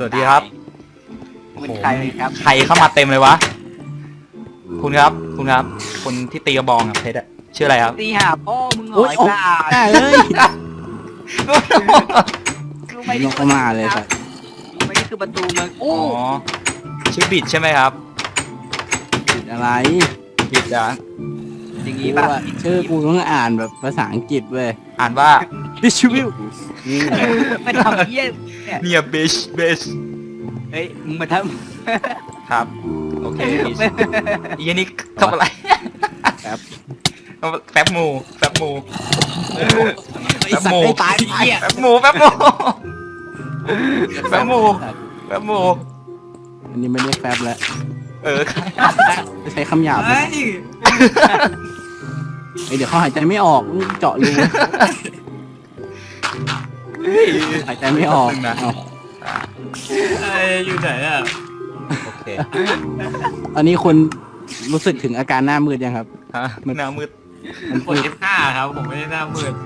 วัสดีครับคุณใครครับใครเข้ามาเต็มเลยวะคุณครับคนที่ตีกระบองอะเพชรอะชื่ออะไรครับตีหาพ่อมึงหโอ้อย ยโอ้บ้าได้เลยรู้ไหมลงเข้ามาเลยครับรู้ไหมนี่คือประตูเมืองอ๋โอ้อชื่อบิดใช่ไหมครับผิดอะไรบิดอะอย่างกูนี้ป่ะอะชื่อกูต้องอ่านแบบภาษาอังกฤษเว้ยอ่านว่า distribute มันทำเยี่ยเนี่ยเนี่ยบิชเฮ้ยมึงมาทครับโอเคำอีนี่ทำอะไรแป๊บแป๊บหมูแป๊บหมูไอ้สัตว์ไอ้ตายเหี้ยแป๊บหมูแป๊บหมูอันนี้ไม่เรียกแป๊บแล้วเออจะใช้คำหยาบนะเดี๋ยวเขาหายใจไม่ออกเจาะรูหายใจไม่ออกนะเอาอยู่ไหนอ่ะโอเคตอนนี้คุณรู้สึกถึงอาการหน้ามืดยังครับฮะหน้ามืดมันกด F5 ครับ ผมไม่ได้หน้ามืด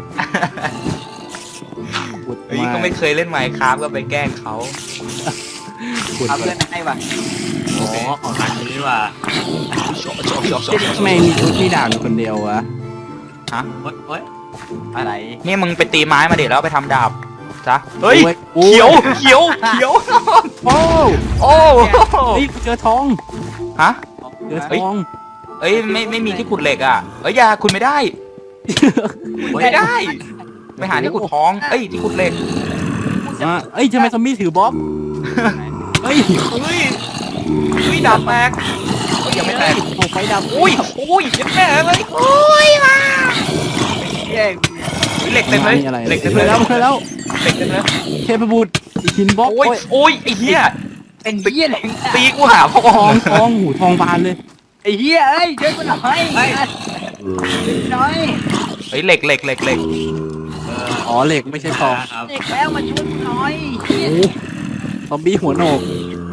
ปวดเฮ้ยมาก็ไม่เคยเล่นไมค์ครับก็ไปแกล้งเขาปวดเอาเพื่อนให้ว่ะอ๋อ ของทางนี้ดีกว่าทำไมมีชุดที่ด่านคนเดียววะฮะโอ๊ยอะไรนี่มึงไปตีไม้มาเดี๋ยวแล้วไปทำดาบจ้ะเฮ้ยโอ้เขียวโอ้โอ้เฮ้ยเจอทองฮะเจอทองเอ้ยไม่มีที่ขุดเหล็กอ่ะเอ้ยอย่าคุณไม่ได้ไม่ได้ไปหาที่ขุดทองเอ้ยที่ขุดเหล็กเอ้ยทำไมซอมบี้ถือบล็อกเฮ้ยเฮ้ยดาบแตกเอ้ยยังไม่แตกโอ้ไฟดับอุ้ยยังแตกเลยอุ้ยมาแย่งเหล็กเต็มเลยอะไรเหล็กเต็มเคเลย ยแล้วเคยแล้วเหล็กเต็มเลยเทพบุตรอีกหินบล็อกโอ้ยไอ้เหี้ยเป็นเหี้ยอะไรตีกูหาพ่อทองทองหูทองบานเลยไอ้เหี้ยเอ้ยช่วยกูหน่อยหน่อยเฮ้ยเหล็กอ๋อเหล็กไม่ใช่ทองครับเด็กแล้วมาช่วยกูหน่อยเหี้ยโอ้ซอมบี้หัวโหนก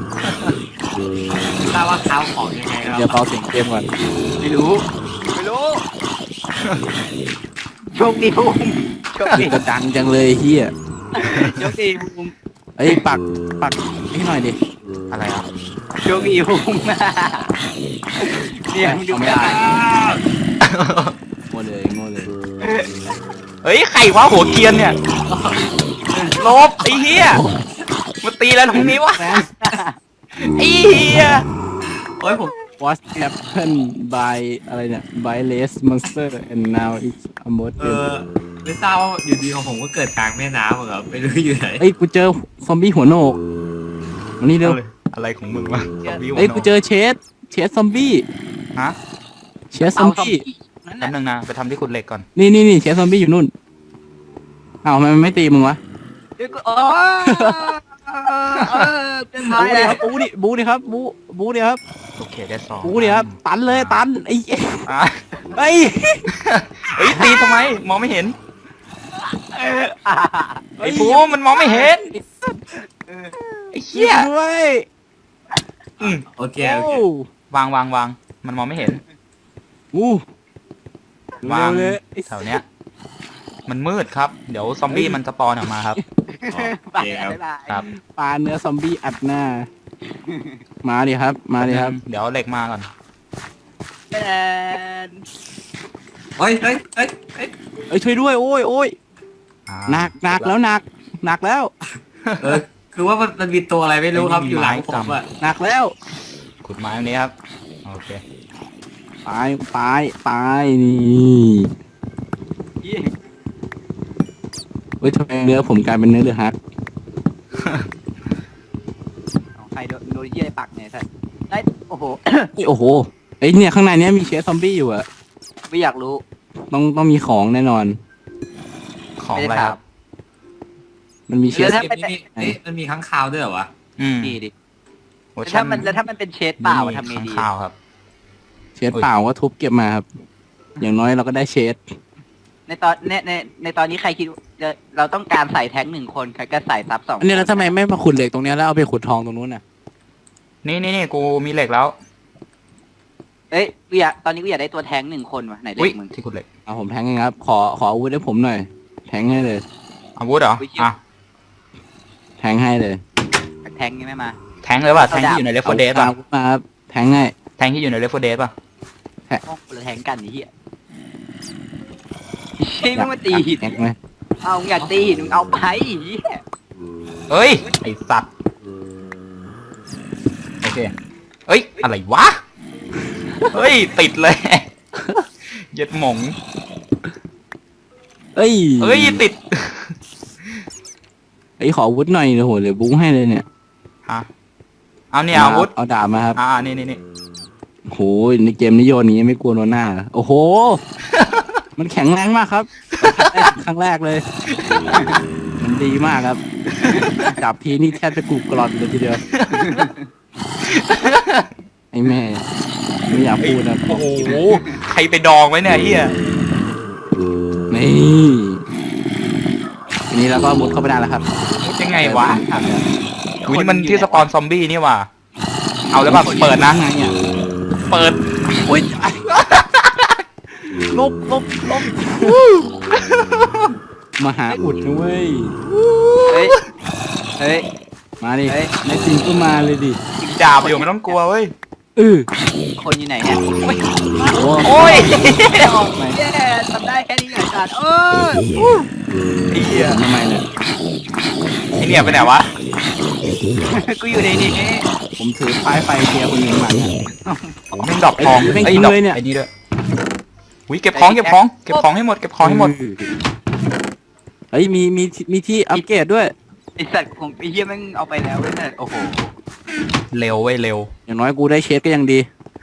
ทราบว่าเท้าของยังไงครับเดี๋ยวเบาเสียงเกมก่อนไม่รู้โชคดีภูมิโชคดีกระดังจังเลยเฮียโชคดีภูมิเอ้ยปักให้หน่อยดิอะไรอ่ะโชคดีภูมิเนี่ยมึงดูเอาไม่ไม่ได้ได้โง่เลยเฮ้ยไข่วะหัวเกรียนเนี่ยลบไอ้เหี้ยมาตีแล้วตรงนี้วะแฟนไอ้เหี้ยโอ๊ยผม what happened by อะไรเนี่ย by less monster and now it's a mod ไม่ทราบว่าอยู่ดีของผมก็เกิดกลางแม่น้ำอะครับไม่รู้อยู่ไหนเอ้ยกูเจอซอมบี้หัวโหนกมานี่เร็วอะไรของมึงวะซอมบี้หัวเอ้ยโนกูเจอเชสซอมบี้ฮะเชสซอมบี้นั่นแป๊บน่ะนึงนะไปทำที่ขุดเหล็กก่อนนี่เชสซอมบี้อยู่นู่นอ้าวทำไมมันไม่ตีมึงวะเดี๋ยวกูเป็นไงบูดิครับบูดิครับโอเคได้สองบูดิครับตันเลยตันไอ้อ่ะไอ้เฮ้ยตีทำไมมองไม่เห็นไอ้ภูมันมองไม่เห็นไอ้เหี้ยด้วยอืมโอเคโอ้วางมันมองไม่เห็นอู้วางเร็วเลยแถวเนี้ยมันมืดครับเดี๋ยวซอมบี้มันสปอนออกมาครับโอเคครับครับปลาเนื้อซอมบี้อัดหน้า มาดิครับ มาดิครับเดี๋ยวเหล็กมาก่อนเฮ้ยเอ้ยช่วยด้วยโอ้ยอ่าหนักแล้วหนักแล้วคือว่ามันมีตัวอะไรไม่รู้ครับอยู่หลังผมอะหนักแล้วขุดไม้ตรงนี้ครับโอเคไปนี่เฮ้ยทำไมเนื้อผมกลายเป็นเนื้อเดือดฮักใครโดนเยี่ยปักเนี่ยท่านได้โอ้โหโอ้โหเอ้ยเนี่ยข้างในเนี้ยมีเชสซอมบี้อยู่อะไม่อยากรู้ต้องมีของแน่นอนของอะไรครับมันมีเชสนี่มันมีค้างคาวด้วยเหรอวะอืมดีดิโอ้แล้วถ้ามันเป็นเชดเปล่าทำไงข้างดีข่าวครับเชสเปล่าก็ทุบเก็บมาครับ อย่างน้อยเราก็ได้เชสในตอนนี้ใครคิดเราต้องการใส่แท้ง1 คนใครก็ใส่ซับ2 อันนี้แล้วทำไมไม่มาขุดเหล็กตรงเนี้ยแล้วเอาไปขุดทองตรงนู้นน่ะนี่กูมีเหล็กแล้วเอ้ยตอนนี้กูอยากได้ตัวแท้ง1 คนว่ะไหนเด็อุ้ยกมึงที่ขุดเหล็กเอาผมแทงเองครับ ขออาวุธให้ผมหน่อย แทงให้เลยอาวุธเหรออ่ะแทงให้เลยแทงยังไม่มาแทงเลยป่ะแทงที่อยู่ในเลฟโฟเดสป่ะอามาครับแทงไงแทงที่อยู่ในเลฟโฟเดสป่ะห้องคนละแทงกันไอ้เหี้ยใช่มึงมาตีหินแทงไหมเอามึงอยากตีหินมึงเอาไปไอ้เหี้ยเอ้ยไอสัตว์โอเคเอ้ยอะไรวะเฮ้ยติดเลยเย็ดหมงเอ้ยเอ้ยติดไอ้ขออาวุธหน่อยเดี๋ยวโหเดี๋ยวบุ้งให้เลยเนี่ยฮะเอาเนี่ยอาวุธเอาดาบมาครับนี่โหในเกมนี้โยนนี้ไม่กลัวโดนหน้าเหรอโอ้โห มันแข็งแรงมากครับครั้งแรกเลย มันดีมากครับ จับทีนี่แทบจะกรุบกรอนเลยทีเดียว ไอ้แม่ไม่อยากพูดนะโอ้โหใครไปดองไว้เนี่ยเฮียนี่ทีนี้เราก็มุดเข้าไปได้แล้วครับมุดยังไงวะอุ้ยนี่มันที่สปอนซอมบี้นี่ว่ะเอาแล้วป่ะเปิดนะไงเนี่ยเปิดอุ้ยลบมาหาอุดนะเว้ยเฮ้ยเฮ้ยมาดิเฮ้ยในจริงก็มาเลยดิดาบอยู่ไม่ต้องกลัวเว้ยคนอยู่ไหนเนี่ยโอ้ยโอ้โอ้ยแย่ทำได้แค่นี้เหรอจัดไอ้เหี้ยทำไมเนี่ยไอ้เนี่ยไปไหนวะกูอยู่ในนี้ผมถือป้ายไฟเทียร์คนหนึ่งมาเนี่ยแม่งดอกทองแม่งไอ้กินดอกเลยเนี่ยไอ้นี่ด้วยอุ้ยเก็บของให้หมดเฮ้ยมีที่อัปเกรดด้วยไอสัตว์ของไอเหี้ยแม่งเอาไปแล้วเว้ยโอ้โหเร็วเว้ยเร็วอย่างน้อยกูได้เชฟก็ยังดี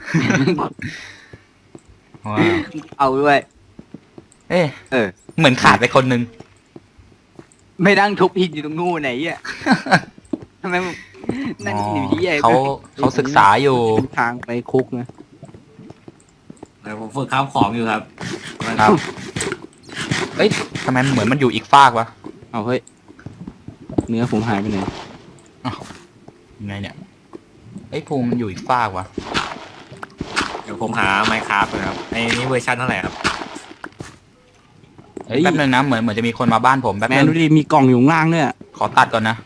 ว้าวเอาด้วยเอ๊ะเออเหมือนขาดไปคนนึงไม่นั่งทุบหินอยู่ตรงนู้นไหนอ่ะทำไมมึงนั่นอยู่ที่ไอ้เขาศึกษาอยู่เป็นทางไปคุกนะเดี๋ยวผมฝึกข้ามของอยู่ครับครับเอ้ยทำไมมันเหมือนมันอยู่อีกฟากวะเอาเฮ้ยเนื้อผมหายไปไหนยังไงเนี่ยไอ้ภูมิมันอยู่อีกฟากวะเดี๋ยวผมหาไมค์ครับนะครับไอ้นี่เวอร์ชันเท่าไหร่ครับเฮ้ยแป๊บนึงนะเหมือนจะมีคนมาบ้านผมแป๊บแมนึนงดูดิมีกล่องอยู่ข้างล่างเนี่ยขอตัดก่อนนะ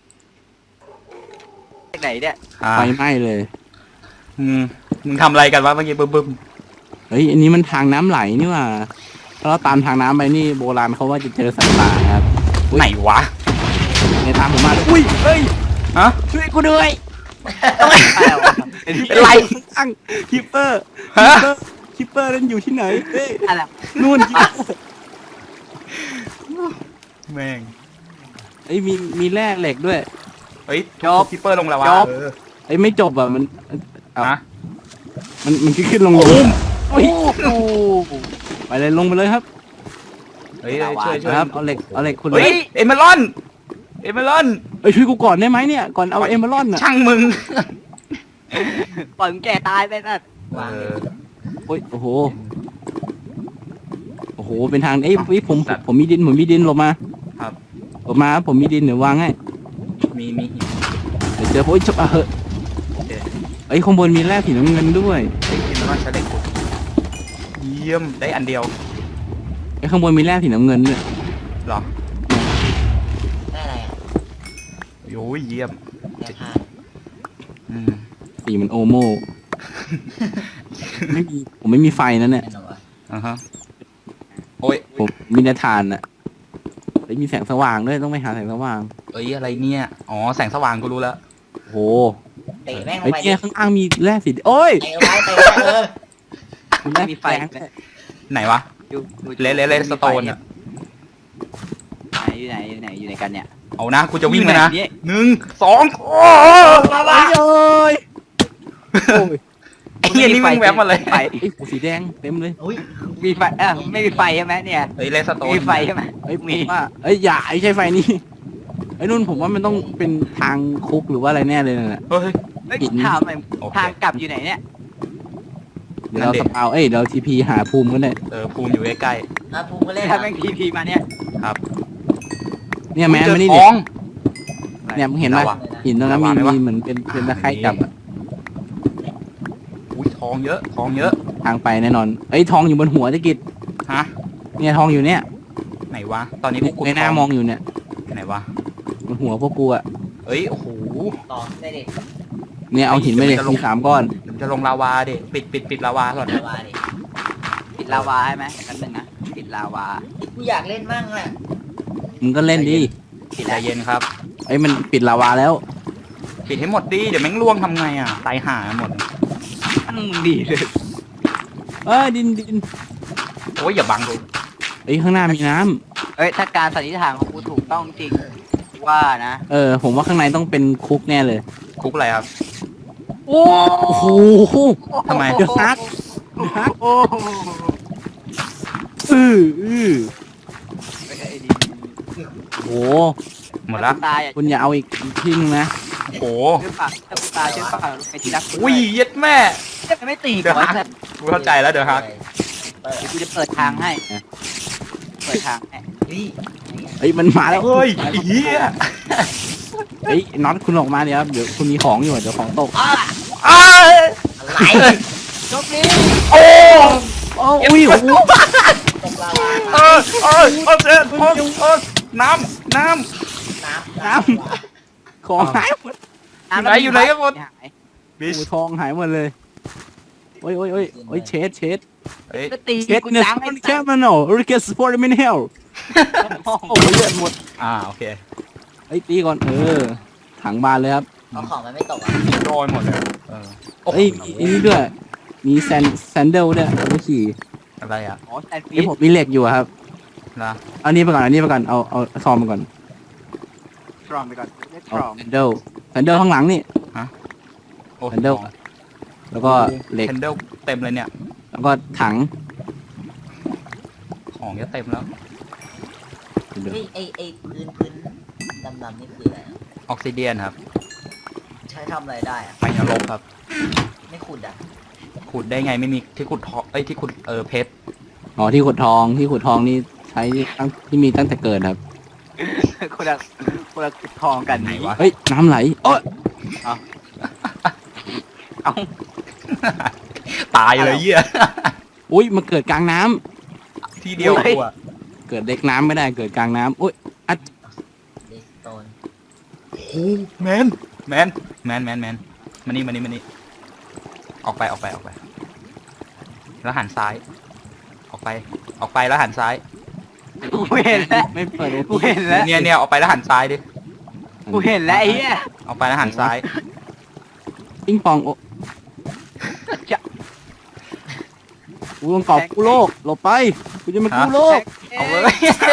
ไหนเนี่ยไฟไหม้เลยมึงทำอะไรกันวะเมื่อกี้บึ้มเฮ้ยอันนี้มันทางน้ำไหลนี่หว่าถ้าเราตามทางน้ำไปนี่โบราณเขาว่าจะเจอสัตว์ป่าครับไหนวะในตามผมมาเลยอุ้ยเฮ้ยฮะช่วยกูด้วยอะไรวะเป็นไรอังคิปเปอร์ฮะคิปเปอร์นั่นอยู่ที่ไหนเฮ้ยอะไรนู่นคิปเปอร์แม่งเอ้ยมีแร่เหล็กด้วยเฮ้ยคิปเปอร์ลงแล้ววะเอ้ยไม่จบอ่ะมันเอาฮะมันขึ้นลงโอ้ยไปเลยลงไปเลยครับเฮ้ยช่วยครับเอาเหล็กคุณเฮ้ยเอเมรอนเอ้ยช่วยกูก่อนได้ไหมเนี่ยก่อนเอาเอเมอรัลด์น่ะช่างมึงปล่อยมึงแก่ตายไปนั่นโอ้ยโอ้โหเป็นทางเอ้ยผมมีดินหลบมาครับหลบมาครับผมมีดินเดี๋ยววางให้มีเดี๋ยวเจอโอ้ยจบอ่ะเหอะเอ้ยข้างบนมีแร่สีน้ำเงินด้วยเอเมรอนใช้เหล็กขุดเยี่ยมได้อันเดียวไอ้ข้างบนมีแร่สีน้ำเงินด้วยเหรอได้อะไรอ่ะโอ้ยเยี่ยมได้ผ้าสีมันโอโม่ ผมไม่มีไฟนั่นเนี่ยแน่นอนวะอ่าฮะโอ้ยผมมีแต่ถ่านอ่ะเฮ้ยมีแสงสว่างด้วยต้องไปหาแสงสว่างเอ้ยอะไรเนี่ยอ๋อแสงสว่างกูรู้แล้วโอ้โหเตะแม่งลไอ้งไปเนี่ยข้างล่างมีแร่สีโอ้ยเตะไว้เตะไว้มีแร่มีไฟแสงไหนวะ เลสโตนอะอยู่ไหนกันเนี่ยเอานะกูจะวิ่งแล้วนะอยู่ไหนเนี่ย 1 2โอ้โอ้ยไอ้เหี้ยนี่วิ่งแวบมาเลยไฟไอ้ยสีแดงเต็มเลยอุ้ยมีไฟไม่มีไฟใช่ไหมเนี่ยเฮ้ยเลสโตนมีไฟใช่ไหมเอ้ยผมว่าเอ้ยอย่าไอ้ใช่ไฟนี่ไอ้นุ่นผมว่ามันต้องเป็นทางคุกหรือว่าอะไรแน่เลยน่ะเฮ้ยไม่ถามหน่อยโอเคทางกลับอยู่ไหนเนี่ยเดี๋ยวเรานั่นดิสปาวเดี๋ยวทีพีหาภูมิกันเลยภูมิอยู่ใกล้อ่ะภูมิก็เล่นถ้าแม่งทีมาเนี่ยๆครับเนี่ยแมนเจอมานี่ทดิองเนี่ยมึงเห็นไหมไหนวะหินตรงนั้นไหนวะไหนวะมีเหมือนเป็นตะไคร่จับอะอุ้ยทองเยอะทางไปแน่นอนเอ้ยทองอยู่บนหัวตะกิดฮะเนี่ยทองอยู่เนี่ยไหนวะตอนนี้กูขุดในหน้ามองอยู่เนี่ยไหนวะบนหัวพวกกูอะเอ้ยโอ้โหต่อได้ดิเนี่ยเอาหินไปเลยมี3 ก้อนเดี๋ยวมันจะลงลาวาดิปิดลาวาก่อนเดี๋ยวว่าดิปิดลาวาใช่ไหมกันหนึ่งนะปิดลาวากูอยากเล่นมั่งอ่ะมึงก็เล่นดิปิดใจแล้วเย็นครับไอ้ยมันปิดลาวาแล้วปิดให้หมดดิเดี๋ยวแม่งล่วงทำไงอ่ะตายห่าหมดตั้งดีเลยดินโอ้ยอย่าบังดูเอ้ยข้างหน้ามีน้ำเอ้ยถ้าการสันนิษฐานของกูถูกต้องจริงว่านะผมว่าข้างในต้องเป็นคุกแน่เลยคุกอะไรครับโอ้โอ้โหทำไมเดือดฮักโอ้อือ โอ้โหหมดละตายอ่ะคุณอย่าเอาอีกที่นึงนะโอ้โหช่วยปากถ้ากูตายช่วยปากไปที่รักกูอุ้ยเย็ดแม่จะไม่ตีก่อนกูเข้าใจแล้วเดี๋ยวฮักเปิดกูจะเปิดทางให้เปิดทางให้นี่เฮ้ยมันมาแล้วเฮ้ยไอ้เหี้ยเฮ้ยน็อตคุณออกมาเดี๋ยวคุณมีของอยู่เดี๋ยวของตกอ้ายอะไรจบนี้โอ้อุ้ยโอ้โหตกลาวาเจ็บน้ำน้ำน้ำของหายหมดอยู่ไหนกันหมดหายบิชโอ้ทองหายหมดเลยโอ้ยเชดเอ้ยก็ตีเชดกูเนี่ยจังสให้ปอนแคมโนริเกสสปอร์ตมินเฮลโอ้ยเลือดหมดโอเคไอ้ยตีก่อนถังบานเลยครับเอาของมันไม่ตกอ่ะโรยหมดเลยโอ้โหเอ้ยมีนี่ด้วยมีแซนเดลด้วยเอาไปขี่อะไรอ่ะอ๋อแซนด์วิไอ้ชผมมีเหล็กอยู่อะครับนะเอานี่ไปก่อนเอาซอมไปก่อนทรอมไปก่อนเรียกทเอารอมแซนเดลข้างหลังนี่โอ้ Handle แล้วก็เหล็กเฮนเดลเต็มเลยเนี่ยแล้วก็ถังของจะเต็มแล้วเดี๋ยวเฮ้ยไอ้พื้นดำๆนี่คืออะไรอะออกซิเดียนครับใช้ทำอะไรได้อ่ะไปนรกครับไม่ขุดอ่ะขุดได้ไงไม่มีที่ขุดทองที่ขุดเพชรอ๋อที่ขุดทองนี่ใช้ที่มีตั้งแต่เกิดครับคนละทองกันไหนวะเฮ้ยน้ำไหลโอ้ยเอ้าตายเลยเหี้ยอุ้ยมาเกิดกลางน้ำที่เดียวกูอะเกิดเด็กน้ำไม่ได้เกิดกลางน้ำอุ้ยเดสโตนโอ้แมนมานี่ออกไปแล้วหันซ้าย ออกไปแล้วหันซ้ายกูเห็นแล้วไม่เปิดกูเห็นแล้วเนี่ยออกไปแล้วหันซ้ายดิกูเห็นแล้วไอ้เหี้ยออกไปแล้วหันซ้ายปิ้งปองโอ้จะกูต้องกอบกู้โลกหลบไปกูจะมากู้โลกเอาเลย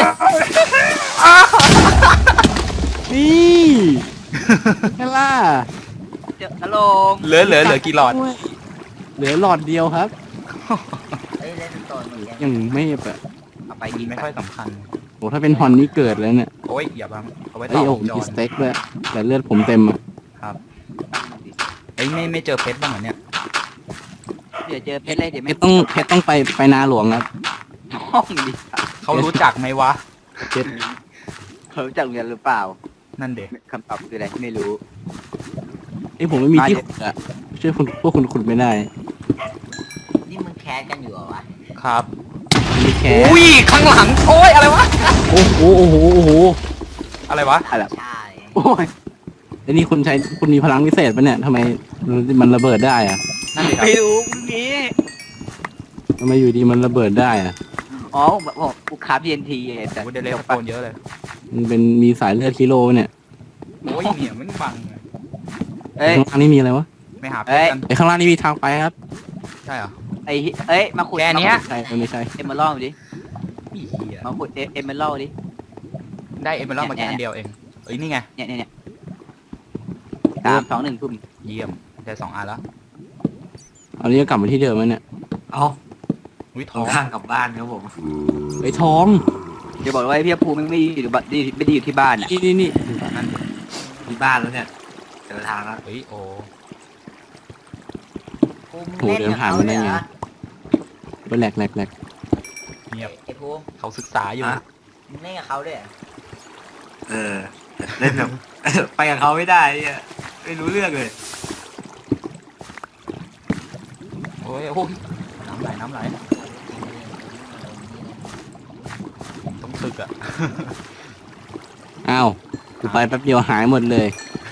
นี่แค่ล่ะเจอลงเหลือกี่หลอดเหลือหลอดเดียวครับเฮ้ยเดสโตนเหมือนกันยังไม่แบบเอาไปกิกินนไม่ไม่ค่ค่ออย ยสำคัญโอ้ถ้าเป็นฮอนนี่เกิดแล้วเนี่ยโอ้ยอย่าบังเอาไว้เอ้ต่ยอโอ้วงจมีรสเต็กด้วยแต่เลือดผมเต็มอะเอ้ยไม่เจอเพชรบ้างเหรอเนี่ยเดี๋ยวเจอเพชรเลยเดี๋ยวเพไม่ชรต้องไปนาหลวงครับห้องดิเขารู้จักไหมวะเขารู้จักโรงเรียนหรือเปล่านั่นเด็กคำตอบคืออะไรไม่รู้ไอ้ยผมไม่มีที่ขุดอะช่วยพวกคุณขุดไม่ได้นี่มึงแคสกันอยู่เหรอวะครับไม่แค่อุ้ยข้างหลังโอ้ยอะไรวะโอ้โหอะไรวะอะไรใช่โอ้ยไอ้นี่คุณมีพลังพิเศษปะเนี่ยทำไมมันระเบิดได้อะนั่นเด็กครับไม่รู้พรุ่งนี้ทำไมอยู่ดีมันระเบิดได้อะอ๋อผมกูคาบ TNT ไงแต่กูเดเลสโตนเยอะเลยมันเป็นมีสายเลือดกิโลเนี่ยโอ้ยเนี่ยมันฟังเอ้ยข้างล่างนี่มีอะไรวะไม่หาเพเอ้ชรยกันไอ้ข้างล่างนี่มีทางไปครับใช่เหรอเอ้ยมาขุดแค่เนี้ยใช่ไม่ใช่เอมเมอรัลดิอีเหี้ยมาขุดเอมเมอรัลดิได้เอเมอรัลมาแค่อันเดียวเองเอ้ยนี่ไงเนี่ย3 2 1ทุ่มเยี่ยมได้2 อันแล้วอันนี้ก็กลับมาที่เดิมแล้วเนี่ยเอาอุ้ยทต้อองงข้างกลับบ้านครับผมไอ้ทองเดี๋ยวบอกว่าไอ้พี่ภูมิไม่อยู่บ้านไม่ได้อยู่ที่บ้านอ่ะนี่นั่นที่บ้านแล้วเนี่ยเจอทางแล้วเฮ้ยโอ้ภูมิเล่นกับเขาเลยเหรอเป็นแหลกเงียบไอ้ภูมิเขาศึกษาอยู่มึงเล่นกับเขาด้วยเหรอเออเล่นแบบ ไปกับเขาไม่ได้เนี่ยไม่รู้เรื่องเลยโอ้ยน้ำไหลต้องศึกอ่ะอ้าวกูไปแป๊บเดียวหายหมดเลย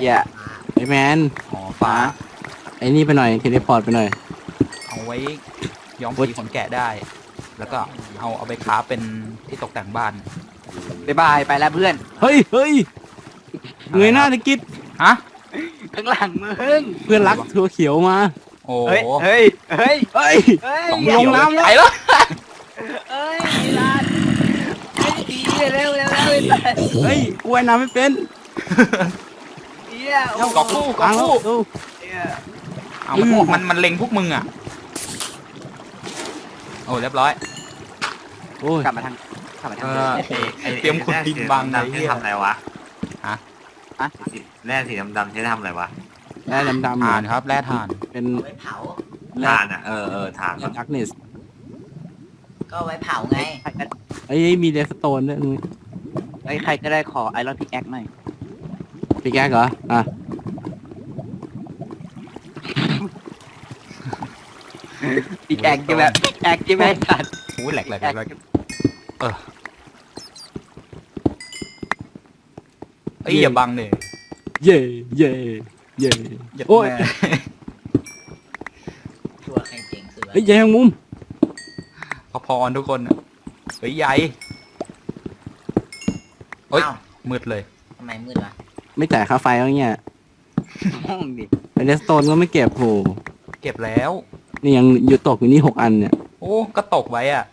เหี้ยไอ้แมนอ๋อฟ้าไอ้นี่ไปหน่อยเทเลพอร์ตไปหน่อยเอาไว้ย้อมสีขนแกะได้ แล้วก็เอาไปค้าเป็นที่ตกแต่งบ้านบ๊ายบายไปแล้วเพื่อนเฮ้ยเฮ้ยเงยหน้าตะกิดฮะข้างหลังมึงเพื่อนรักตัวเขียวมาโอ้เฮ้ยเฮ้ยเฮ้ยเฮ้ยเฮ้ยสองลเขียวงน้ำแล้วไปแล้วเฮ้ยลานเฮ้ยดีเร็วเร็วเร็วเร็วเฮ้ยกูว่ายน้ำไม่เป็นเหี้ยโอ้กอบกู้กอบฟังแล้วกู้ดูเหี้ยเอามันเล็งพวกมึงอ่ะโอ้เรียบร้อยโอ้ยกลับมาทางกลับมาทางเดิมเตรียมขุดดินบังเลยใช้เหี้ยทำอะไรวะฮะแร่สีดำๆใช้ทำอะไรวะแร่ดำๆถ่านครับแร่ถ่านเป็นเอาไว้เผาแร่ถ่านอ่ะถ่านดักเนสก็เอาไว้เผาไงไอ้ยมีเดสโตนด้วยไอ้ยใครก็ได้ขอไอรอนพิกแอคหน่อยพี่แก๊กเหรออ่ะพิกแอคใช่ไหมพิกแอคใช่ไหมสัตว์โอ้ยแหลกเอ้ยอย่าบังเลยเย่เย่เย่อย่าโอ้ยแม่ตัวใครเจ๋งสุดวะเฮ้ยใหญ่แมงมุมพอๆทุกคนอะเฮ้ยใหญ่เฮ้ยอ้าวมืดเลยทำไมมืดวะไม่จ่ายค่าไฟแล้วเนี่ยห้องดิไอ้เดสโตนก็ไม่เก็บโหเก็บแล้วนี่ยังอยู่ตกอยู่นี่6 อันเนี่ยโอ้ก็ตกไว้อ่ะ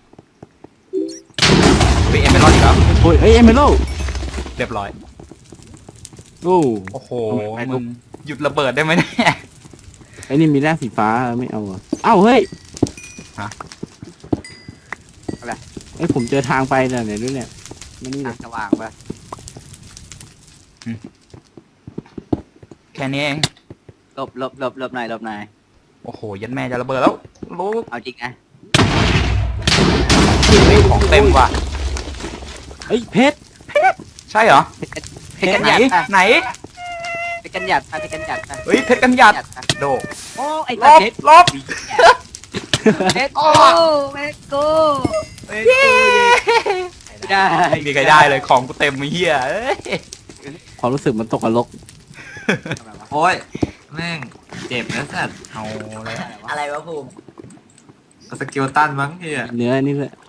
เฮ้ยเอ็มไม่รอดอีกแล้วโอ้ยเอ้ยเอเมโลเรียบร้อยโอ้โอ้โหมึงหยุดระเบิดได้ไหมเนี่ยไอ้นี่มีแร่สีฟ้าไม่เอาอ่ะเอ้าเฮ้ยฮะอะไรไอ้ยผมเจอทางไปเนี่ยไหนด้วยเนี่ยไม่นี่เลทาย งสว่างปะแค่นี้เองหลบหลบหลบหลบหน่อยหลบหน่อยโอ้โหยันแม่จะระเบิดแล้วลูกเอาจริงนะของเต็มว่ะเฮ้ยเพชรใช่เหรอเพชรกันไหนหยัดปะไหนเพชรกันหยัดปะเพชรกันหยัดปะเฮ้ยเพชรกันหยัดปะโดโอ้ไอ้ลตาบเพชรลบเพชรโอ้เพชรกูไม่ได้ไม่มีใครได้เลยของกูเต็มไอ้เหี้ยเอ้ยความรู้สึกมันตกนรกโอ้ยแม่งเจ็บนะสัตว์เอาเลยอะไรวะภูมิสกิลตันมั้งเฮียเนื้อนี่แหละ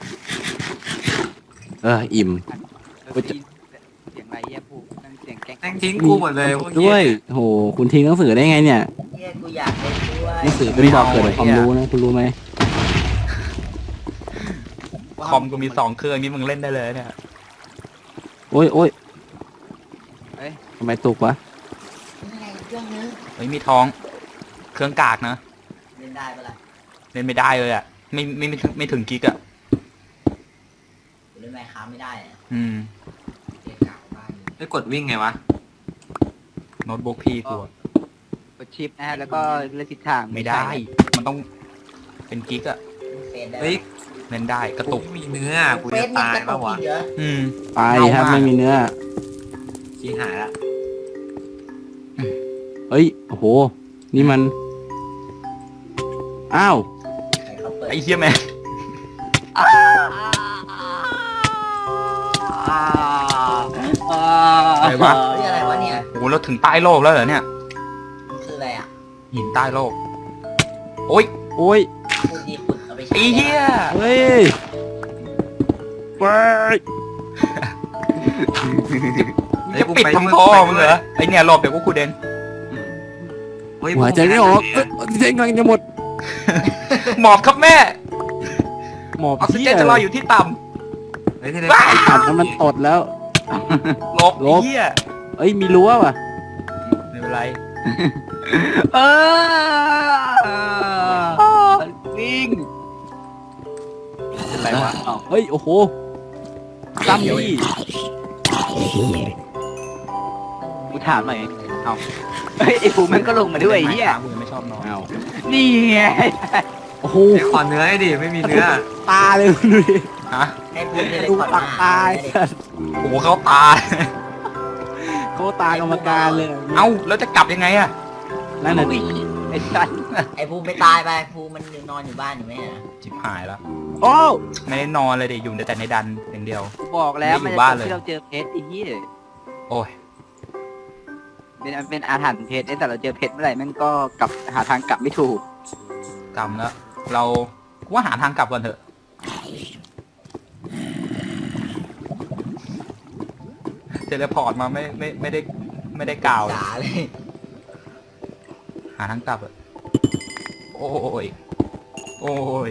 อิ่มเสียงอะไรเหี้ยพูนั่งเสียงแกล้งแม่งทิ้งกูหมดเลยพวกเฮีด้วยโหคุณทิ้งหนังสือได้ไงเนี่ยเฮียกูอยากเล่นด้วยหนังสือเป็นบอกเกิดความรู้นะคุณรู้ไหมคอมกูมี2 เครื่องนี่มึงเล่นได้เลยเนี่ยโอ้ยโอ้ยทำไมตกวะยังไงเครื่องนึงเฮ้ยมีทอง เครื่องกากนะเล่นได้ปะล่ะเล่นไม่ได้เลยอ่ะไม่ถึงกิกอ่ะกูเล่นไมค์ค้าไม่ได้อะอืมเกมเก่าบ้านอยู่ไอ้กดวิ่งไงวะโน้ตบุ๊กพี่กูอะกดชิปนะฮะแล้วก็เลือกทิศทางไม่ได้ มันต้องเป็นกิกอ่ะเฟซได้เฮ้ยเล่นได้กระกูตุกไม่มีเนื้อกูเฟจะซนี่ตายกระตุปะกวะอีกเหรออืมไปครับไม่มีเนื้อชี้หายละเฮ้ยโอ้โหนี่มันอ้าวใครเขาเปิดไอ้เหี้ยแม่ง อะไรวะเฮ้ยอะไรวะเนี่ยโอ้โหเราถึงใต้โลกแล้วเหรอเนี่ยมันคืออะไรอ่ะหินใต้โลก โอ้ยโอ้ยพูดดีขุดเอาไปใช้ไอ้เหี้ยเฮ้ยไปจะปิดทำพ่อมึงเหรอไอเนี่ยหลบเดี๋ยวกูขุดเองเฮ้ยหัวใจไม่ออกเส้นกำลังจะหมดหมอบครับแม่หมอบออกซิที่เจนจะลอยอยู่ที่ต่เฮ้ยที่ไหนขัดแล้วมันตดแล้วำหลบหลไอ้บเหี้ยเอ้ยมีรั้วว่ะไม่เป็นไรวิ่งเป็นไรวะเฮ้ยโอ้โหซ้ำนี่กูถามหน่อยเอาเฮ้ยไอ้ภูมิมันก็ลงมาด้วยไอ้เฮียกูยังไม่ชอบนอนอ้าวนี่ไงโอ้โหเดี๋ยวขอเนื้อให้ดิไม่มีเนื้อตาเลยดูดิฮะให้พูดเลยดูก่อนปากตายโอ้โหเขาตาเขาตากรรมการเลยเอ้าแล้วจะกลับยังไงอะนั่นน่ะดิไอ้สัสไอ้ภูมิไปตายไปภูมิมันนอนอยู่บ้านอยู่ไหมอ่ะจิบหายแล้วโอ้ไม่ได้นอนเลยดิอยู่แต่ในดันอย่างเดียวกูบอกแล้วไม่มันอยู่จะบ้านจบเลยที่เราเจอเพชรไอ้เหี้ยโอ้ยเป็นอาถรรพ์เพชรแต่เราเจอเพชรเมื่อไหร่แม่งก็กลับหาทางกลับไม่ถูกกำแล้ว เราว่าหาทางกลับก่อนเถอะ เทเลพอร์ตมาไม่ได้กล่าวเลยจ๋าเลยหาทางกลับอะโอ้ย โอ้ย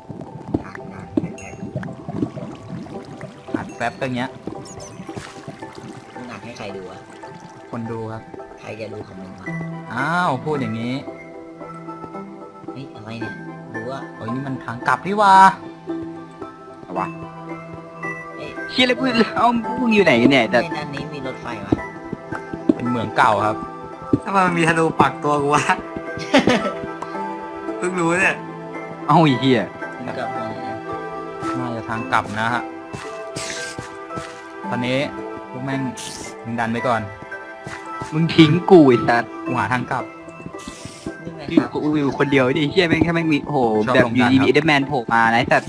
อัดแฟบอย่างเงี้ยมึงหนักให้ใครดูอะคนดูครับใครจะดูของมึงวะอ้าว พูดอย่างนี้เฮ้ยอะไรเนี่ยรู้ว่าโอ้ยนี่มันทางกลับนี่หว่าเอาวะเอ้ยเชี่ยเลยพูดเอาพวกอยู่ไหนกันเนี่ยแต่ในนั้นนี้มีรถไฟวะเป็นเหมืองเก่าครับทำไมมันมีธนูปักตัวกูวะ เพิ่งรู้เนี่ยเอาไอ้เหี้ยมึงกลับมาเลยนะน่าจะทางกลับนะฮะ ตอนนี้พวกแม่งมึงดันไปก่อนมึงทิ้งกูไอ้สัสกูหาทางกลับนี่ไงที่ครับกูอยู่คนเดียวดิเชี่ยแม่งแค่แม่งมีโอ้โหชอบแบบลงอยู่ดันดีครับมีเอเดอร์แมนโผล่มานะไอ้สัส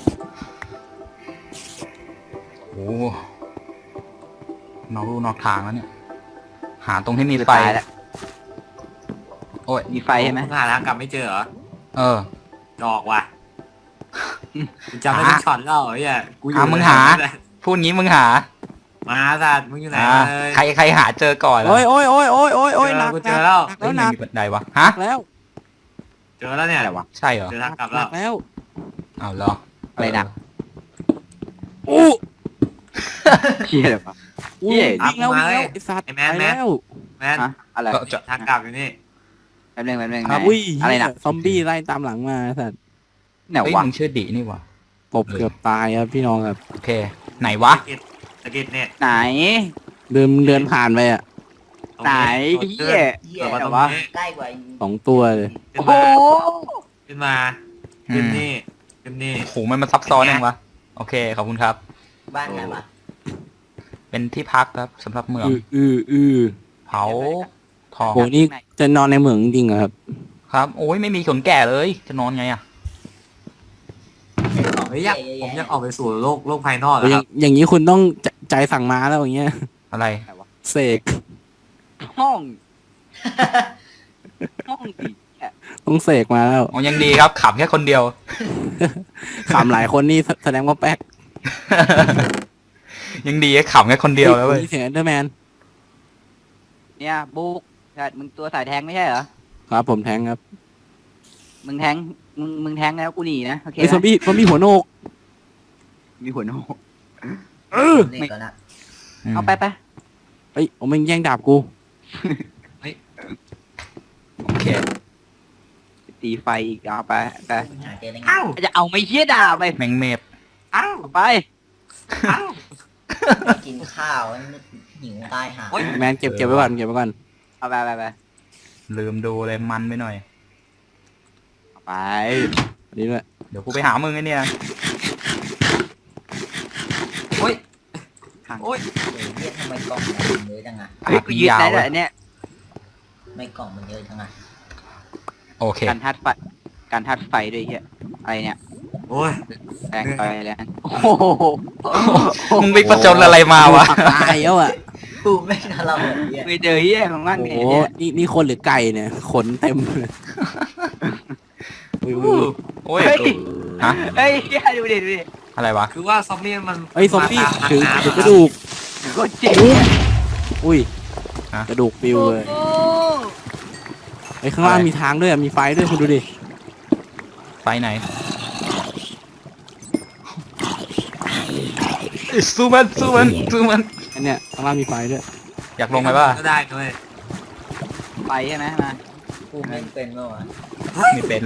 โอ้นอกรูนอกทางแล้วเนี่ย หาตรงที่มีไฟตายแล้วโอ้ยมีไฟใช่ไหมงหาทางกลับไม่เจอเหรอเออดอกว่ะกูจำได้ทุกช็อตแล้วไอ้เหี้ยกูอยู่มึงหาไหนพูดงี้มึงหามาสัตว์มึงอยู่ไหนอ่าเลยใครหาเจอก่อนล่ะโอ้ยหนักกูเจอแล้วหนักเฮ้แล้ยวหนักมีบันไดวะ ฮะแล้วเจอแล้วเนี่ยอะไรวะใช่เหรอเจอทางกลับหแล้นัวกแล้วเอาเหรออะไรหนักอู้เชี่ยเลยวะอู้เหี้ยวิ่งแล้วไอ้สัตว์ไอ้ไปแมนแล้วแมนฮะอะไรก็จะทางกลับอยู่นี่แป๊บนึงครับไหนอุ้ยอะไรหนักซอมบี้ไล่ตามหลังมาไอ้สัตว์ไหนเฮ้ยวะมึงชื่อดินี่วะตบเกือบตายครับพี่น้องครับโอเค ไหนวะตะกิดเนี่ยไหนเดินผ่านไปอ่ะตรงไหนนี้เหี้ยเหี้ยเปิดมาตรงวะนี้ใกล้กว่า 2 ตัวเลยขึ้โอ้นโหมาขึ้นมาขึ้นนี่ขึ้นนี่โอ้โหมันซับซ้อนยังวะ โอเค ขอบคุณครับบ้านไหนวะเป็นที่พักครับสำหรับเมือง เผาทองโหนี่จะนอนในเหมืองจริงเหรอครับครับ โอ้ยไม่มีขนแก่เลย จะนอนไงอะเฮ้ยอยากผมอยากออกไปสู่โลกภายนอกอะครับอย่างนี้คุณต้องใจสั่งมาแล้วอย่างเงี้ยอะไรเสกห้องห้องดิเหี้ยต้องเสกมาแล้วอ๋อยังดีครับขับแค่คนเดียวขำหลายคนนี่แสดงว่าแป๊กยังดีขับแค่คนเดียวแล้วเว้ยมีเสียงเดอร์แมนเนี่ยบุ๊กแต่มึงตัวสายแทงไม่ใช่เหรอครับผมแทงครับมึงแทงมึงแทงแล้วกูหนีนะโอเคไอ้ซอมบี้หัวโนกมีหัวโนกนี่ก่อนนะเอาไปเอ้ยผมมึงแย่งดาบกูโอเคตีไฟอีกเอาไปหาเจอได้ไงอ้าวจะเอาไม่เชี่ยด่าไปแมงเมฟอ้าวไปอ้าวกินข้าวหิวตายหาโอ๊ยแมนเก็บไว้ก่อนเก็บไว้ก่อนเอาไปลืมดูเลยมันไปหน่อยเอาไปอันนี้ด้วยเดี๋ยวกูไปหามึงไอ้เนี่ยโอ๊ยขังโอ๊ยเฮ้ยเหี้ยทำไมกล่องมันเยอะจังอะเฮ้ยกูยืดได้แต่เนี่ยไม่กล่องมันเยอะจังอะโอเคการทัดไฟด้วยเฮียอะไรเนี่ยโอ้ยแรงไปแรงโอ้โหมึงไปประจนอะไรมาวะปากตายแล้วอ่ะกูไม่ทำเราแบบเนี้ยไม่เจอเฮียของมันโอ้เนี่ยโหนี่คนหรือไก่เนี่ยขนเต็มเลยอุ้ยโอ้ยเฮ้ยฮะเฮ้ยเฮียดูดิอะไรวะคือว่าซอมบี้มันเอ้ยซอมบี้าตามถือน้ำถือกระดูกก็เจ๋งอุ้ยฮะกระดูกปิวเลยโอ้ไอ้ยข้างล่างมีทางด้วยอะมีไฟด้วยคุณดูดิไฟไหนสู้มันอันเนี้ยข้างล่างมีไฟด้วยอยากลงไหมว่าก็ได้ด้วยไปใช่ไหมมากูไม่เป็นเมื่อวะไม่เป็น